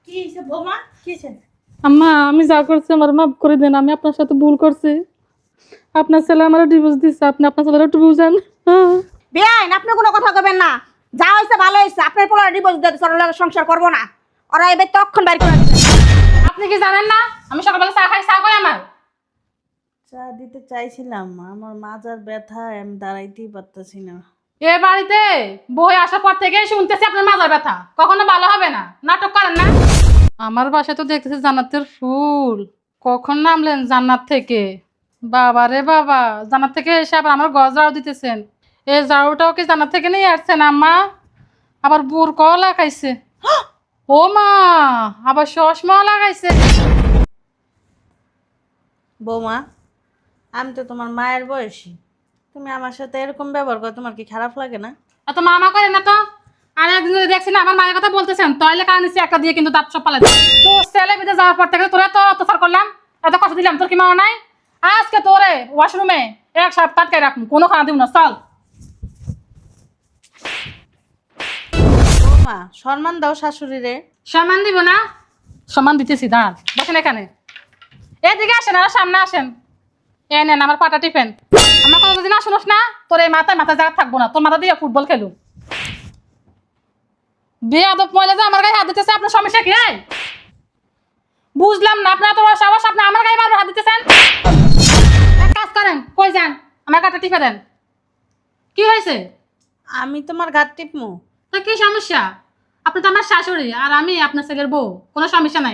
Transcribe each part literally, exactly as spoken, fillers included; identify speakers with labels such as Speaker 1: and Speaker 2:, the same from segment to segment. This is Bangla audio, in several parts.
Speaker 1: কি হইছে বৌমা? কি হইছে?
Speaker 2: আম্মা আমি যা করছি আমার মাফ করে দেন। আমি আপনার সাথে ভুল করছি। আপনার ছেলে আমার ডিভোর্স দিচ্ছে, আপনি আপনার ছেলের একটু বুঝেন। হ্যাঁ।
Speaker 1: বেআইন, আপনি কোনো কথা কবেন না। যা হইছে ভালো হইছে। আপনার পোলা ডিভোর্স দিয়ে দিছে, ওর লগে সংসার করবো না। ওরা এবার তখন বাইর করে দিবে।
Speaker 2: আপনি কি জানেন না আমি সকালবেলা চা খাই? চা করে আমার
Speaker 3: চা দিতে চাইছিলাম, আমার মাজার ব্যথা, আমি দাঁড়াইতেই পারতেছি না।
Speaker 2: এ বাড়িতে বই আসার পর থেকে শুনতেছি আপনার মাজার ব্যথা, কখনো ভালো হবে না। নাটক করেন না। আমার বাসায় তো দেখতেছি জান্নাতের ফুল। কখন নামলেন জান্নাত থেকে? বাবা রে বাবা, জান্নাত থেকে এসে আবার আমার গজ ঝাড়ু দিতেছেন। এই ঝাড়ুটাও কি জান্নাত থেকে নিয়ে আসছেন আম্মা? আবার বুরকাও লাগাইছে। ও মা, আবার চশমাও লাগাইছে।
Speaker 3: বৌমা, আমি তো তোমার মায়ের বয়সী, তুমি আমার সাথে এরকম ব্যবহার করো, তোমার কি খারাপ লাগে না?
Speaker 2: এত মামা করে না তো। আর একদিন যদি দেখছি না আমার মায়ের কথা বলতেছেন, তাহলে কারণ নিচ্ছি একটা দিয়ে কিন্তু দাঁত সব পালাই দেব। তো ছেলে বিদে যাওয়ার পর থেকে তোরা তো অত্যাচার করলাম, এত কষ্ট দিলাম, তোর কি মনে নাই? আজকে তোরে ওয়াশরুমে এক সপ্তাহ আটকায় রাখুন, কোনো খানা দিব না। চল।
Speaker 3: বৌমা, সম্মান দাও শাশুড়িরে।
Speaker 2: সম্মান দিব না? সম্মান দিতেছি, দাঁড়ান, বসেন এখানে। এদিকে আসেন, আর সামনে আসেন। এ নেন আমার পাটা টিফেন। আমার কথা যদি না শুনোস না, তোর এই মাথায় মাথা জায়গা থাকবো না, তোর মাথা দিয়ে ফুটবল খেলু। বিয়ে আদব মহিলা যে আমার গায়ে হাত দিতেছে, আপনার সমস্যা কি? এই বুঝলাম না, আপনার তো সাহস, আপনি আমার গায়ে বারবার হাত দিতেছেন। এক কাজ করেন, কই যান, আমার গাটা টিপে দেন। কি হয়েছে?
Speaker 3: আমি তোমার গাত টিপমু?
Speaker 2: তা কি সমস্যা? আপনি তো আমার শাশুড়ি আর আমি আপনার ছেলের বউ, কোনো সমস্যা নাই।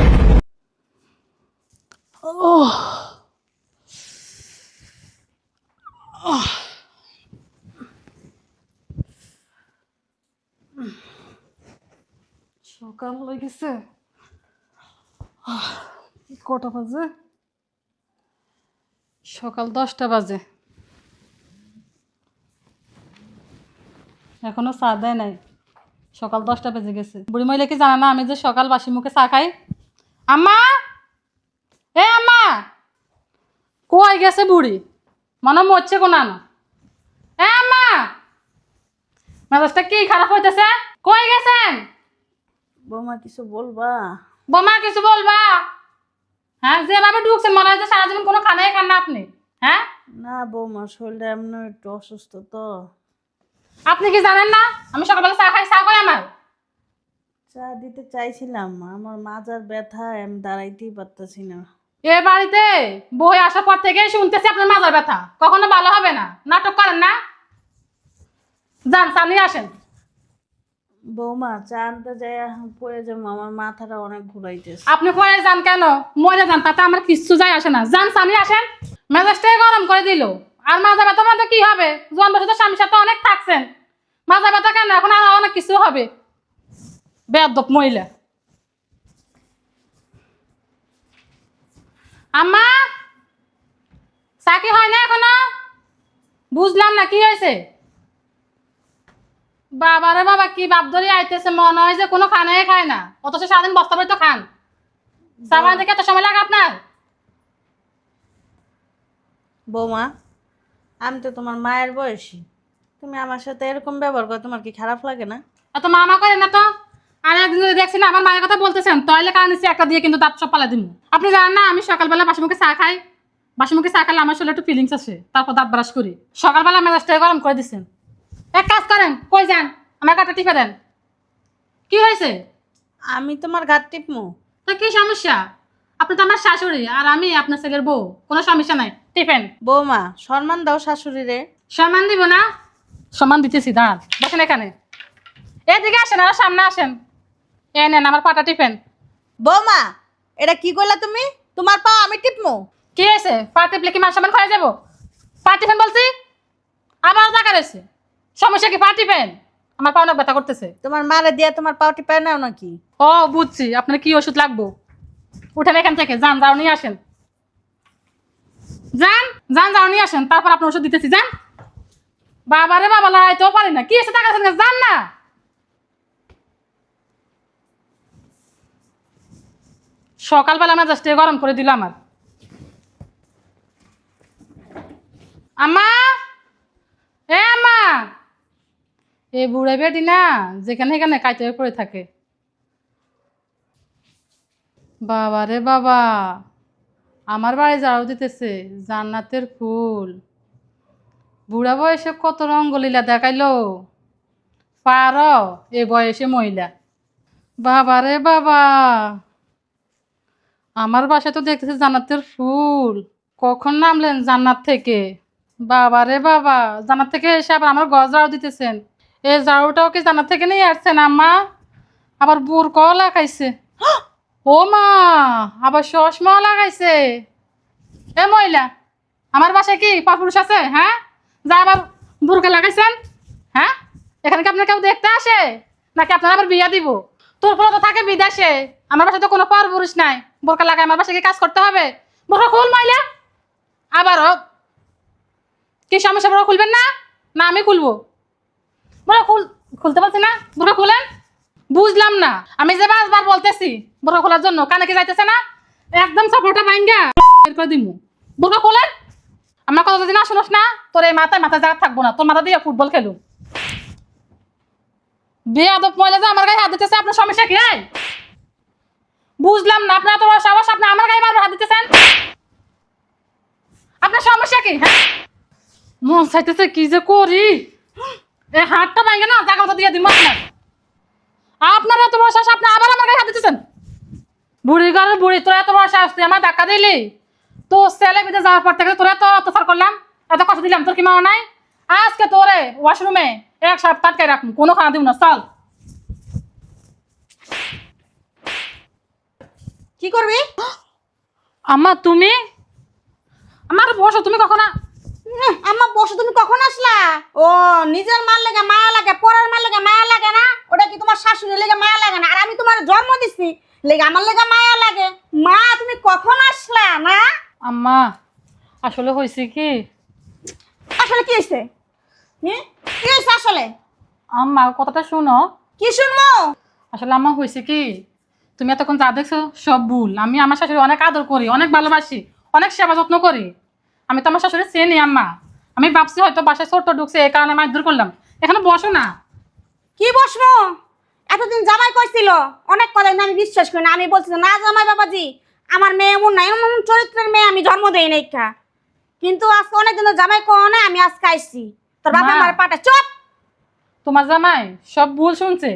Speaker 2: সকাল হয়ে গেছে, কটা বাজে? সকাল দশটা বাজে, এখনো চা দেয় নাই। সকাল দশটা বেজে গেছে। বুড়ি মহিলা কি জানা না আমি যে সকাল বাসি মুখে চা খাই? আম্মা, এ আম্মা, কই গেছে বুড়ি? মনে মরছে কোন আনো। এ আম্মা, মেজাজটা কি খারাপ হইতেছে? কই গেছেন?
Speaker 3: বৌমা, কিছু বলবা?
Speaker 2: বোমা কিছু বলবা? হ্যাঁ, যেভাবে ঢুকছেন মনে হয় যে সারা জীবন কোনো খানাই খান না আপনি। হ্যাঁ,
Speaker 3: না বৌমা, শরীরটা এমন একটু অসুস্থ তো।
Speaker 2: আপনি কি জানেন না আমি সকালবেলা চা খাই? চা করে আমার
Speaker 3: চা দিতে চাইছিলাম, আমার মাজার ব্যথা, আমি দাঁড়াইতেই পারতেছি না।
Speaker 2: এ বাড়িতে বই আসার পর থেকে শুনতেছি আপনার মাজার ব্যথা, কখনো ভালো হবে না। নাটক করেন না। যান, চালিয়ে আসেন।
Speaker 3: বৌমা, চা আনতে যাই, পড়ে যাবো, আমার মাথাটা অনেক ঘুরাইতেছে।
Speaker 2: আপনি পরে যান কেন? মরে যান, তাতে আমার কিচ্ছু যায় আসে না। যান, চালিয়ে আসেন। মেজাজটাই গরম করে দিল। আর মাজা ব্যথা মাথা কি হবে? জোয়ান বসে তো স্বামীর সাথে অনেক থাকছেন, মাজা ব্যথা কেন? এখন আর অনেক কিছু হবে। বেয়াদব মহিলা। আম্মা, চা কি হয় না এখনো? বুঝলাম না কি হয়েছে। বাবারে বাবা, কি বাপ ধরে আইতেছে, মনে হয় যে কোনো খানাই খায় না, অথচ সারাদিন বস্তা বই তো খান। চা বানাতে কি এত সময় লাগে আপনার?
Speaker 3: বৌমা, আমি তো তোমার মায়ের বয়সী, তুমি আমার সাথে এরকম ব্যবহার করো, তোমার কি খারাপ লাগে না?
Speaker 2: এত মামা করে না তো। আর একদিন যদি দেখছি না আমার মায়ের কথা বলতেছেন, তাহলে কারণ নিচ্ছি একটা দিয়ে কিন্তু দাঁত সব পালা দিব। আপনি জানেন না আমি সকালবেলা বাসি মুখে চা খাই? বাসি মুখে চা খেলে আমার শরীরে একটু ফিলিংস আসে, তারপর দাঁত ব্রাশ করি। সকালবেলা মেজাজটা গরম করে দিচ্ছেন। এক কাজ করেন, কই যান, আমার কাটা টিপে দেন। কি হয়েছে?
Speaker 3: আমি তোমার গাত টিপমু?
Speaker 2: তা কি সমস্যা? আপনি তো আমার শাশুড়ি আর আমি আপনার ছেলের বউ, কোনো সমস্যা নাই। টিফেন।
Speaker 3: বৌমা, সম্মান দাও শাশুড়িরে।
Speaker 2: সম্মান দিব না? সম্মান দিতেছি, দাঁড়ান, বসেন এখানে। এদিকে আসেন, আর সামনে আসেন। এ নেন আমার পাটা টিফেন।
Speaker 3: বৌমা, এটা কি করলা তুমি? তোমার পা আমি টিপমু?
Speaker 2: কি হয়েছে? পা টিপলে কি মান সম্মান খয়ে যাবো? পা টিফেন বলছি, আবার টাকা রয়েছে। সমস্যা কি? পা টিফেন। আমার পা অনেক ব্যথা করতেছে।
Speaker 3: তোমার মারে দিয়া তোমার পাও টিপায় নাও নাকি?
Speaker 2: ও বুঝছি, আপনার কি ওষুধ লাগবো। উঠেন এখান থেকে, যান, যাও নিয়ে আসেন। যান যান, যাও নিয়ে আসেন, তারপর আপনার ওষুধ দিতেছি। যান। বাবারে বাবা, লাগাইতেও পারি না। কি এসে টাকা আছে? যান না। সকালবেলা মেজাজটা গরম করে দিল আমার। আম্মা, এ আম্মা, এই বুড়া বেটি না যেখানে এখানে কাইতে পড়ে থাকে। বাবা রে বাবা, আমার বাড়ি ঝাড়ু দিতেছে জান্নাতের ফুল। বুড়া বয়সে কত রঙ্গলীলা দেখাইলো, পার এ বয়সে মহিলা। বাবা রে বাবা, আমার বাসায় তো দেখতেছি জান্নাতের ফুল। কখন নামলেন জান্নাত থেকে? বাবা রে বাবা, জান্নাত থেকে এসে আবার আমার ঘর ঝাড়ু দিতেছেন। এই ঝাড়ুটাও কি জান্নাত থেকে নিয়ে আসছেন আম্মা? আবার বুরকাও লাগাইছে। ও মা, আবার চশমাও লাগাইছে। এ মহিলা, আমার বাসায় কি পরপুরুষ আছে? হ্যাঁ, যা আবার বুরকা লাগাইছেন। হ্যাঁ, এখানে কি আপনার কেউ দেখতে আসে নাকি আপনার আবার বিয়া দিব? তোর ফলে তো থাকে বিদেশে, আমার বাসায় তো কোনো পরপুরুষ নাই। বোরকা লাগায় আমার বাসায় কি কাজ করতে হবে? বোরকা খুল মহিলা। আবারও কি সমস্যা? বোরকা খুলবেন না? না আমি খুলবো। বোরকা খুল খুলতে পারছি না, বোরকা খুলেন। বুঝলাম না, আমি যে পাঁচবার বলতেছি বোরকা খোলার জন্য, কানে কি যাইতেছে না? একদম সাপোর্টটা ভাঙ্গা বের করে দিমু। বোরকা খোলেন। আমার কথা যদি না শুনোস না, তোর এই মাথায় মাথা জায়গা থাকবো না, তোর মাথা দিয়ে ফুটবল খেলু। বেয়াদব মহিলা যে আমার গায়ে হাত দিতেছে, আপনার সমস্যা কি? এই বুঝলাম না, আপনার তো সাহস, আপনি আমার গায়ে বারবার হাত দিতেছেন। আপনার সমস্যা কি? হ্যাঁ, মন চাইতেছে কি যে করি, এই হাতটা ভাঙ্গে না জায়গা মতো দিয়ে দিন আপনার। আপনার এত বড় সাহস, আপনি আবার আমার গায়ে হাত দিতেছেন। বুড়ি ঘরের বুড়ি, তোরা এত বড় সাহস, তুই আমার ধাক্কা দিলি। তো ছেলে বিদে যাওয়ার পর থেকে তোরা তো অত্যাচার করলাম, এত কষ্ট দিলাম, তোর কি মা নাই? আজকে তোরে ওয়াশরুমে এক সপ্তাহ আটকে রাখুন, কোনো খানা দিব না। চল।
Speaker 1: কি করবি?
Speaker 2: আম্মা তুমি আমার বসো, তুমি কখন আ-
Speaker 1: উহ, আম্মা বসো, তুমি কখন আসলা? ও, নিজের মার লেগে মায়া লাগে, পরের মার লেগে মায়া লাগে না? ওটা কি তোমার শাশুড়ির লেগে মায়া লাগে না? আর আমি তোমার জন্ম দিছি লেগে আমার লেগে মায়া লাগে। মা তুমি কখন আসলা না?
Speaker 2: আম্মা আসলে হয়েছে কি,
Speaker 1: আসলে কি হয়েছে? হুম, কি হয়েছে আসলে?
Speaker 2: আম্মা কথাটা শুনো।
Speaker 1: কি শুনবো?
Speaker 2: আসলে আম্মা হয়েছে কি, তুমি এতক্ষণ যা দেখছো সব ভুল। আমি আমার শাশুড়ি অনেক আদর করি, অনেক ভালোবাসি, অনেক সেবা যত্ন করি। আমি তো আমার শাশুড়ি চেনি আম্মা। আমি ভাবছি হয়তো বাসায় ছোট্ট ঢুকছে, এই কারণে মারধর করলাম। এখানে বসো না।
Speaker 1: কি বসবো? এতদিন জামাই কইছিল অনেক কথা, কিন্তু আমি বিশ্বাস করি না। আমি বলছি না জামাই বাবাজি, আমার মেয়ে এমন না, এমন এমন চরিত্রের মেয়ে আমি জন্ম দেই নাই কা। কিন্তু আজকে অনেকদিন ধরে জামাই কও না, আমি আজকে আইছি। তোর বাবা
Speaker 2: মা।
Speaker 1: আমার পাটা চুপ।
Speaker 2: তোমার জামাই সব ভুল শুনছে।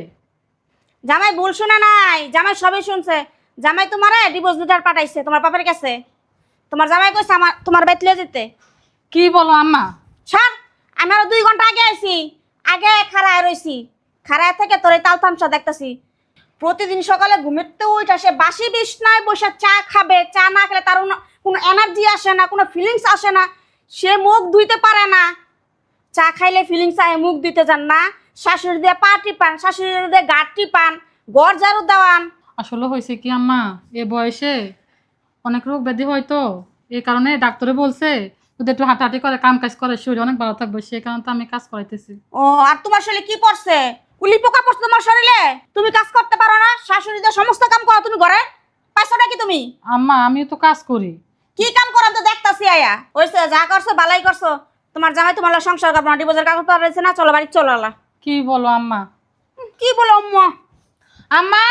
Speaker 1: জামাই ভুল শুনে নাই, জামাই সবই শুনছে। জামাই তোমার ডিভোর্স লেটার পাঠাইছে তোমার বাবার কাছে। তোমার জামাই কইছে আমার তোমার বেতলে যেতে।
Speaker 2: কি বলো আম্মা?
Speaker 1: ছাড়, আমি আরো দুই ঘন্টা আগে আইছি, আগে খাড়ায় রইছি। খাড়ায় থেকে তোর এই তাল তামসা দেখতেছি। প্রতিদিন সকালে ঘুমেতে উঠে সে বাসি বিছনায় বসে চা খাবে, চা না খেলে তার কোনো- কোনো এনার্জি আসে না, কোনো ফিলিংস আসে না। সে মুখ ধুইতে পারে না, চা খাইলে ফিলিংস আয়, মুখ দিতে যান না। শাশুড়ি দিয়ে পা টিপান, শাশুড়ি দিয়ে গাঁট টিপান, গড় ঝাড়ু দেওয়ান।
Speaker 2: আসলে হয়েছে কি আম্মা, এ বয়সে অনেক রোগ ব্যাধি হয় তো, এই কারণে ডাক্তারে বলছে যদি একটু হাঁটাহাঁটি করে, কাম কাজ করে, শরীর অনেক ভালো থাকবে, সেই কারণে তো আমি কাজ করাইতেছি।
Speaker 1: ও, আর তোমার শরীরে কি পড়ছে? কুলি পোকা পড়ছে তোমার শরীরে? তুমি কাজ করতে পারো না? শাশুড়ি দিয়ে সমস্ত কাম করো তুমি ঘরে, পাইছোটা কি তুমি?
Speaker 2: আম্মা আমিও তো কাজ করি।
Speaker 1: কি কাম করো তো দেখতাছি আয়া। হইছে, যা করছো বালাই করছো। তোমার জামাই তোমার লগে সংসার করবো না, ডিভোর্সের কাগজ তো রয়েছে না, চলো বাড়ি চলো আলা।
Speaker 2: কি বলো আম্মা?
Speaker 1: কি বলো আম্মা?
Speaker 2: আম্মা,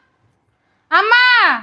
Speaker 2: আম্মা,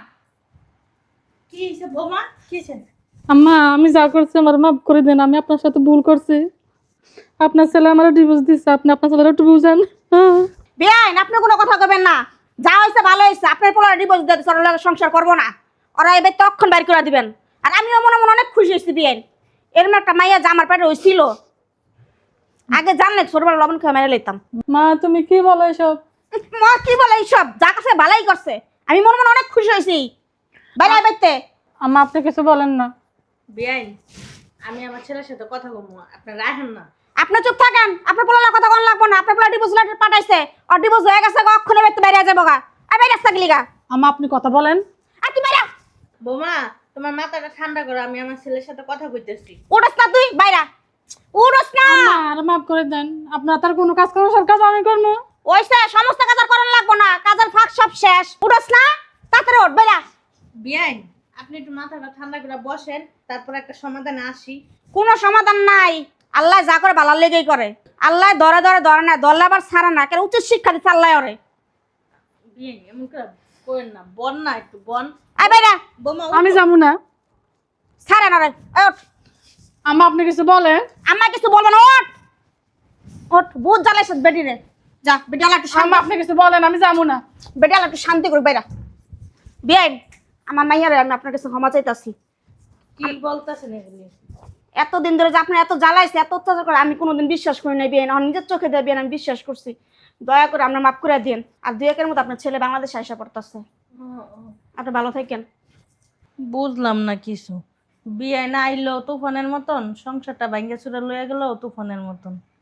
Speaker 3: কি হয়েছে বৌমা? কি হয়েছে?
Speaker 2: আম্মা আমি যা করছি আমার মাফ করে দেন। আমি আপনার সাথে ভুল করছি। আপনার ছেলে আমার ডিভোর্স দিচ্ছে, আপনি আপনার ছেলের একটু বুঝেন। হ্যাঁ।
Speaker 1: বেআইন, আপনি কোনো কথা কবেন না। যা হয়েছে ভালো হয়েছে, আপনার পোলার ডিভোর্স দিয়ে দিচ্ছে, ওর লগে সংসার করবো না। ওরা এবার তখন বাইর করে দিবেন। আর আমিও মনে মনে অনেক খুশি হয়েছি বেআইন, এরকম একটা মাইয়া যা আমার পেটে হয়েছিল। আগে জানলে ছোটবেলা লবণ খেয়ে মেরে লইতাম।
Speaker 2: মা তুমি কি বলো এসব?
Speaker 1: মা কি বলে এইসব? যা কাছে ভালাই করছে, আমি মনে মনে অনেক খুশি হয়েছি। বাইরে বাইতে
Speaker 2: আম্মা আপনি কিছু বলেন না।
Speaker 3: বেআইন, আমি আমার ছেলের সাথে কথা বলবো, আপনি রাখেন না।
Speaker 1: আপনি চুপ থাকেন, আপনার পোলার কথা কোন লাগবো না। আপনার পোলা ডিভোর্স লেটার পাঠাইছে, আর ডিভোর্স হয়ে গেছে, অক্ষণে বাইতে বাইরে যাবো গা। আর বাইরে আসতে গেলি গা।
Speaker 2: আম্মা আপনি কথা বলেন।
Speaker 1: আর তুই বাইরে
Speaker 3: বৌমা, তোমার মাথাটা ঠান্ডা করো, আমি আমার ছেলের সাথে কথা কইতেছি।
Speaker 1: উড়স না, তুই বাইরা উড়স না।
Speaker 2: আম্মা আর মাফ করে দেন, আপনার তার কোনো কাজ করবো, সব কাজ আমি করবো।
Speaker 1: ওইসে সমস্ত কাজ আর করার লাগবো না, কাজের ফাঁক সব শেষ। উড়স না, তাড়াতাড়ি উঠ বাইরা।
Speaker 3: বেআইন, আপনি একটু মাথাটা ঠান্ডা করে বসেন, তারপর একটা সমাধানে আসি।
Speaker 1: কোনো সমাধান নাই। আল্লাহ যা করে ভালো লেগেই করে। আল্লাহ ধরে ধরে ধরে না, ধরলে আবার ছাড়ে না। কেন উচিত শিক্ষা দিচ্ছে আল্লাহ ওরে।
Speaker 3: বেআইন, এমন করে কই না বন না একটু বন
Speaker 1: আই বাইরা
Speaker 3: বৌমা
Speaker 2: আমি যাবো না।
Speaker 1: ছাড়ে না রে এই ওঠ
Speaker 2: আম্মা আপনি কিছু বলেন।
Speaker 1: আমার কিছু বলবো না ওঠ ওঠ বহুত জ্বালাইছ বেটি রে যা বেটালা একটু শান্ত
Speaker 2: আম্মা আপনি কিছু বলেন, আমি যাবো না।
Speaker 1: বেটালা একটু শান্তি করে বাইরা বিয়াই আমার মাইয়ারে আমি আপনার কাছে ক্ষমা চাইতাছি
Speaker 3: কি বলতাছেন এগুলি?
Speaker 1: এতদিন ধরে যে আপনি এত জ্বালাইছে এত অত্যাচার করে আমি কোনোদিন বিশ্বাস করি নাই বিয়ে না নিজের চোখে দিয়ে বিয়ে আমি বিশ্বাস করছি দয়া করে আপনার মাফ করে দিন আর দুই একের মতো আপনার ছেলে বাংলাদেশে আসা পড়তেছে আপনি ভালো থাকেন
Speaker 3: বুঝলাম না কিছু। বিয়ে না আইলো তুফানের মতন, সংসারটা ভাঙ্গা চুরা লইয়া গেল তুফানের মতন।